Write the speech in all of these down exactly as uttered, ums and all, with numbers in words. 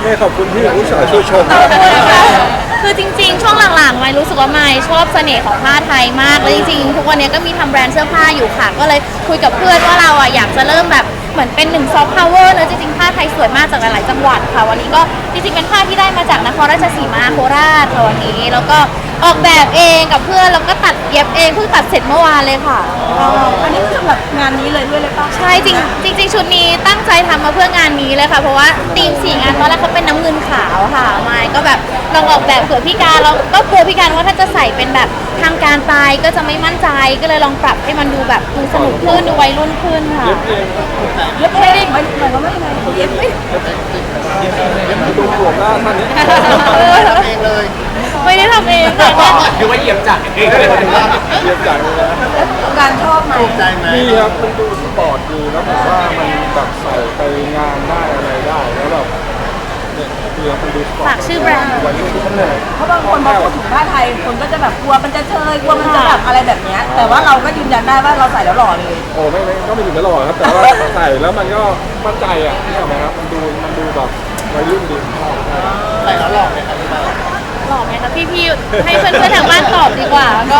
เนี่ยขอบคุณที่ผู้สาวช่วยชมคือจริงๆช่วงหลังๆไม่รู้สึกว่าไม่ชอบเสน่ห์ของผ้าไทยมากแล้วจริงๆทุกวันนี้ก็มีทำแบรนด์เสื้อผ้าอยู่ค่ะก็เลยคุยกับเพื่อนว่าเราอ่ะอยากจะเริ่มแบบเหมือนเป็นหนึ่งซอฟต์พาวเวอร์เนอะจริงๆผ้าไทยสวยมากจากหลายๆจังหวัดค่ะวันนี้ก็จริงๆเป็นผ้าที่ได้มาจากนครราชสีมาโคราชค่ะวันนี้แล้วก็ออกแบบเองกับเพื่อนแล้วก็ตัดเย็บเองเพิ่งตัดเสร็จเมื่อวานเลยค่ะอันนี้คือสำหรับงานนี้เลยด้วยเลยป่ะใช่จริงจริงๆชุดนี้ตั้งใจทำมาเพื่องานนี้เลยค่ะเพราะว่าธีมสีงานตอนแรกเขาเป็นน้ำเงินขาวค่ะไม่ก็แบบลองออกแบบเผื่อพี่การเราก็กลัวพี่การว่าถ้าจะใส่เป็นแบบทางการไปก็จะไม่มั่นใจก็เลยลองปรับให้มันดูแบบดูสนุกขึ้นดูวัยรุ่นขึ้นค่ะเย็บเองหมายถึงว่ายังไงเย็บไม่ดูหัวหน้าท่านนี้ทำเองเลยไม่ได้ทำเองแต่ว่าคือว่าเหยียบจักรเองเลยเรียบจากเลยนะการชอบไหมใจไหมนี่ครับมันดูสปอร์ตดีแล้วผมว่ามันแบบใส่ไปงานได้อะไรได้แล้วแบบเนี่ยคือมันดูสปอร์ตฝากชื่อแบรนด์วัยรุ่นทุกคนเลยเพราะบางคนพอพูดถึงผ้าไทยคนก็จะแบบกลัวมันจะเชยกลัวมันจะแบบอะไรแบบนี้แต่ว่าเราก็ยืนยันได้ว่าเราใส่แล้วหล่อเลยโอ้ไม่ไม่ก็ไม่ถึงกับหล่อครับแต่ว่าใส่แล้วมันก็มั่นใจอ่ะนี่ไหมครับมันดูมันดูแบบวัยรุ่นดีใส่แล้วหลอกเลยครับพี่บ้าหล่อไหมคะพี่พี่ให้เพื่อนๆทางบ้านตอบดีกว่าก็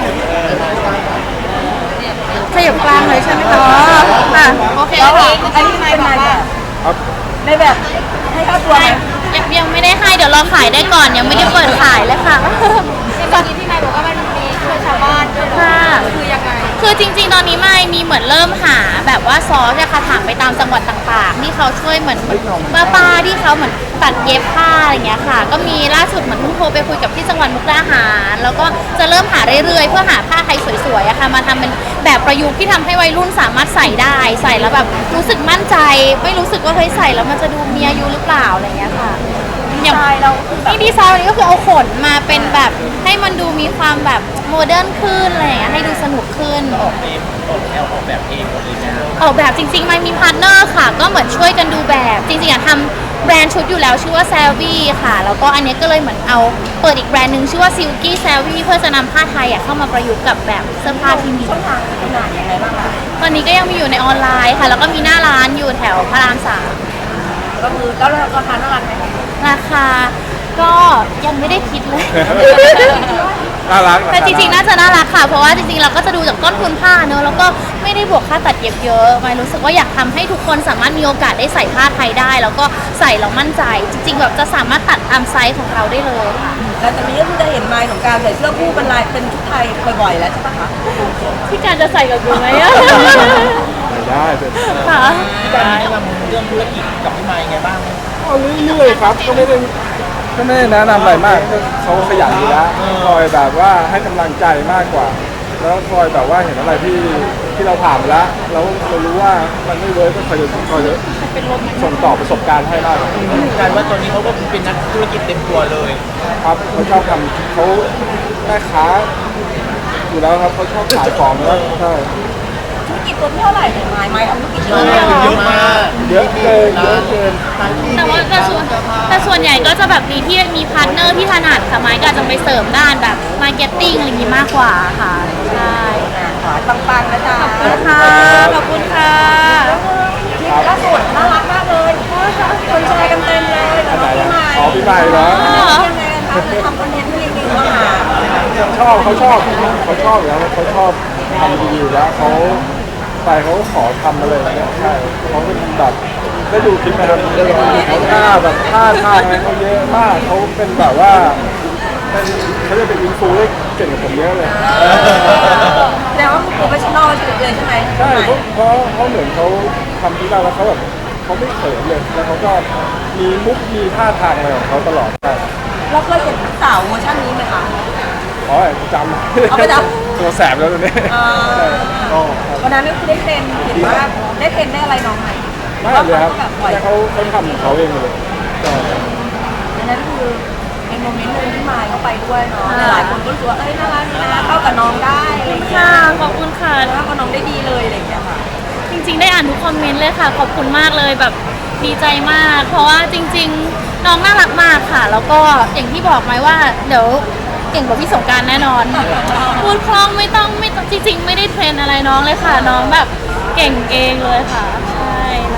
ขยับกลางเลยใช่ไหมคะอ่ะโอเคโอเคอันนี้เป็นนายแบบในแบบให้ค่าตัวไหมยังยังไม่ได้ให้เดี๋ยวรอขายได้ก่อนยังไม่ได้เปิดขายเลยค่ะตอนนี้พี่นายบอกว่ามันมีช่วยชาวบ้านด้วยค่ะคือยังไงคือจริงๆตอนนี้ไม่มีเหมือนเริ่มหาแบบว่าซอสจะค่ะถามไปตามจังหวัดต่างๆที่เขาช่วยเหมือนป้าป้าที่เขาเหมือนตัดเย็บผ้าอะไรเงี้ยค่ะก็มีล่าสุดเหมือนเพิ่งโทรไปคุยกับที่จังหวัดมุกดาหารแล้วก็จะเริ่มหาเรื่อยๆเพื่อหาผ้าไทยสวยๆอะค่ะมาทำเป็นแบบประยุกต์ที่ทำให้วัยรุ่นสามารถใส่ได้ใส่แล้วแบบรู้สึกมั่นใจไม่รู้สึกว่าเฮ้ยใส่แล้วมันจะดูมีอายุหรือเปล่าอะไรเงี้ยค่ะอย่างเรานี่ดีไซน์วันนี้ก็คือเอาขนมาเป็นแบบให้มันดูมีความแบบโมเดิร์นขึ้นอะไรอย่างเงี้ยให้ดูสนุกขึ้นออกเองออกแนวออกแบบเองหมดเลยนะออกแบบจริงๆมันมีพาร์ทเนอร์ค่ะก็เหมือนช่วยกันดูแบบจริงๆอะทำแบรนด์ชุดอยู่แล้วชื่อว่า Savvy ค่ะแล้วก็อันนี้ก็เลยเหมือนเอาเปิดอีกแบรนด์หนึ่งชื่อว่า Silky Savvy เพื่อจะนำผ้าไทยอะเข้ามาประยุกต์กับแบบเสื้อผ้าที่มีช่องทางจำหน่ายยังไงบ้างคะตอนนี้ก็ยังมีอยู่ในออนไลน์ค่ะแล้วก็มีหน้าร้านอยู่แถวพระรามสามก็คือแล้วราคาเท่าไหร่ไหมราคาก็ยังไม่ได้คิดเลยน่ารักแต่จริงๆน่าจะน่ารักค่ะเพราะว่าจริงๆเราก็จะดูจากต้นทุนผ้าเนอะแล้วก็ไม่ได้บวกค่าตัดเย็บเยอะไม่รู้สึกว่าอยากทำให้ทุกคนสามารถมีโอกาสได้ใส่ผ้าไทยได้แล้วก็ใส่แล้วมั่นใจจริงๆแบบจะสามารถตัดตามไซส์ของเราได้เลยค่ะแล้วจากนี้ก็คือจะเห็นไมล์ของการใส่เสื้อคู่เป็นลายเป็นชุดไทยบ่อยๆแล้วใช่ปะคะพี่การจะใส่กับกูไหมอะได้เป็นค่ะพี่การแนะนำเรื่องธุรกิจกับพี่ไมค์ไงบ้างเอาเรื่อยๆครับก็ไม่ได้ก็ไม่ได้แนะนำอะไรมากเขาขยันอยู่แล้วคอยแบบว่าให้กำลังใจมากกว่าแล้วคอยแบบว่าเห็นอะไรที่ที่เราผ่านแล้วแล้วเรารู้ว่ามันไม่เวิร์กก็คอยจะคอยจะส่งต่อประสบการณ์ให้มากการว่าตอนนี้เขาก็เป็นนักธุรกิจเต็มตัวเลยครับเขาชอบทำเขาแม่ค้าอยู่แล้วครับเขาชอบขายของแล้วใช่ธุรกิจตัวเท่าไหร่เนี่ยไมล์ไมล์ทำธุรกิจเยอะเยอะมากเยอะเกินเยอะเกินแต่ว่าแต่ส่วนแต่ส่วนใหญ่ก็จะแบบมีที่มีพาร์ทเนอร์ที่ถนัดค่ะไม้ก็จะไปเสริมด้านแบบมาร์เก็ตติ้งอะไรอย่างนี้มากกว่าค่ะใช่ขอปังๆนะจ๊ะขอบคุณค่ะขอบคุณค่ะล่าสุดน่ารักมากเลยคนแชร์กันเต็มเลยแล้วก็พี่ใหม่อ๋อพี่ใหม่เหรอยังไงคะทำคอนเทนต์ให้ดีๆว่าชอบเขาชอบเขาชอบอยู่แล้วเขาชอบทำดีๆแล้วเขาไปเขาขอทำมาเลยเนี่ยใช่เขาเป็นแบบได้ดูคลิปไหมครับเขาท่าแบบท่าทางอะไรเขาเยอะมากเขาเป็นแบบว่าเป็นเขาจะเป็นอินฟูได้เก่งกว่าผมเยอะเลยแต่ว่าโปรเฟชชั่นอลเลยใช่ไหมใช่เพราะเขาเหมือนเขาทำที่เราแล้วเขาแบบเขาไม่เขินเลยแล้วเขาก็มีมุกมีท่าทางอะไรของเขาตลอดใช่เราเคยเห็นสาวเวอร์ชันนี้ไหมคะอ๋อจำเอาไปจำตัวแสบแล้วตัวนี้วันนั้นก็คือได้เทรนเห็นว่าได้เทรนได้อะไรน้องไหมไม่เลยครับแต่เขาเขาทำของเขาเองเลยอันนั้นคือในโมเมนต์นึงที่มายเขาไปด้วยเนาะหลายคนก็รู้สึกว่าเอ้ยน่ารักนะเข้ากับน้องได้ค่ะขอบคุณค่ะแล้วก็น้องได้ดีเลยอะไรอย่างเงี้ยค่ะจริงๆได้อ่านทุกคอมเมนต์เลยค่ะขอบคุณมากเลยแบบดีใจมากเพราะว่าจริงๆน้องน่ารักมากค่ะแล้วก็อย่างที่บอกไหมว่าเดี๋ยวเก่งกว่าพี่สงกรานต์แน่นอนพูดคล่องไม่ต้องไม่ต้องจริงๆไม่ได้เทรนอะไรน้องเลยค่ะน้องแบบเก่งเองเลยค่ะใช่พอ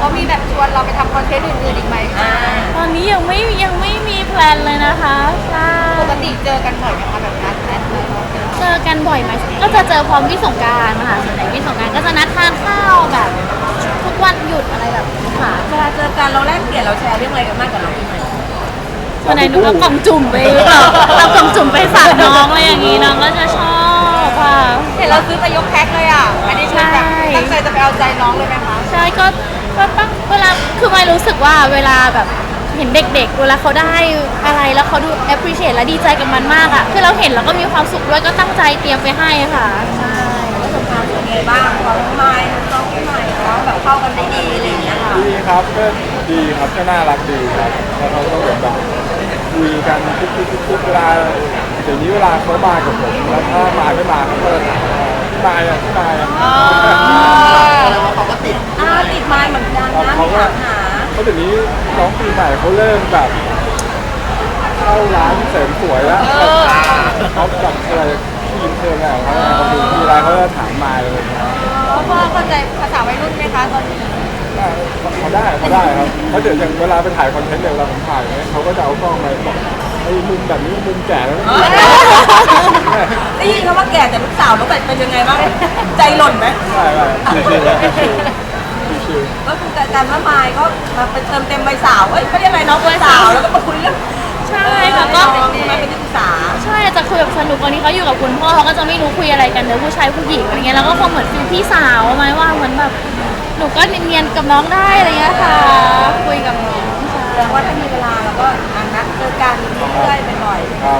เขามีแบบชวนเราไปทำคอนเทนต์อื่นๆอีกไหมคะตอนนี้ยังไม่ยังไม่มีแพลนเลยนะคะใช่ปกติเจอกันบ่อยไหมคะแบบนัดแนะเลยเจอกันบ่อยไหมก็จะเจอพร้อมพี่สงกรานต์ค่ะส่วนใหญ่พี่สงกรานต์ก็จะนัดทานข้าวแบบทุกวันหยุดอะไรแบบนี้ค่ะเวลาเจอกันเราแลกเปลี่ยนเราแชร์เรื่องอะไรกันมากกับน้องปีใหม่วันไหนหนูก็กล่องจุ่มไปเราเรากล่องจุ่มไปฝากน้องอะไรอย่างงี้น้องก็จะชอบค่ะเห็นเราซื้อไปยกแพ็คเลยอ่ะอันนี้คือแบบตั้งใจจะไปเอาใจน้องเลยไหมคะใช่ก็ก็ตั้งเวลาคือไม่รู้สึกว่าเวลาแบบเห็นเด็กๆเวลาเขาได้อะไรแล้วเขาดู appreciate และดีใจกับมันมากอ่ะคือเราเห็นแล้วก็มีความสุขด้วยก็ตั้งใจเตรียมไปให้ค่ะใช่ประสบการณ์เป็นไงบ้างของน้องไม้น้องปีใหม่เนาะแบบเข้ากันได้ดีอะไรอย่างเงี้ยค่ะดีครับก็ดีครับก็น่ารักดีครับแล้วเขาก็เหมือนแบบคุยกันทุกทุกทุกทุกเวลาเดี๋ยวนี้เวลาเขามากับผมแล้วถ้ามาไม่มาเขาก็จะถามว่าพี่มายอ่ะพี่มายอ่ะแล้วเขาก็ติดอ่าติดไม้เหมือนกันนะเขาก็ถามหาเขาเดี๋ยวนี้น้องปีใหม่เขาเริ่มแบบเข้าร้านเสริมสวยแล้วเขาแบบอะไรผู้หญิงเชิญอะไรเขาเขาดูมีอะไรเขาจะถามมาเลยเพราะว่าเข้าใจภาษาวัยรุ่นไหมคะตอนนี้เขาได้เขาได้ครับเขาเดี๋ยวอย่างเวลาไปถ่ายคอนเทนต์เนี่ยเวลาผมถ่ายเนี่ยเขาก็จะเอากล้องมาบอกไอ้มุมแบบนี้มุมแก่แล้วได้ยินคำว่าแก่แต่ลูกสาวแล้วแบบเป็นยังไงบ้างใจหล่นไหมใช่ใช่ชิวๆชิวๆชิวก็คือการว่าไม้ก็มาเป็นเติมเต็มใบสาวเอ้ยไม่ได้อะไรน้องใบสาวแล้วก็มาคุยเรื่องใช่ค่ะก็น้องมาเป็นนักศึกษาใช่จะคุยแบบสนุกวันนี้เขาอยู่กับคุณพ่อเขาก็จะไม่รู้คุยอะไรกันเดี๋ยวผู้ชายผู้หญิงอะไรเงี้ยแล้วก็คงเหมือนฟิลพี่สาวไหมว่าเหมือนแบบหนูก็เนียนๆกับน้องได้อะไรเงี้ยค่ะ คุยกับน้องใช่แสดงว่าถ้ามีเวลาเราก็อ่ะนัดเจอกันเรื่อยๆบ่อยๆครับ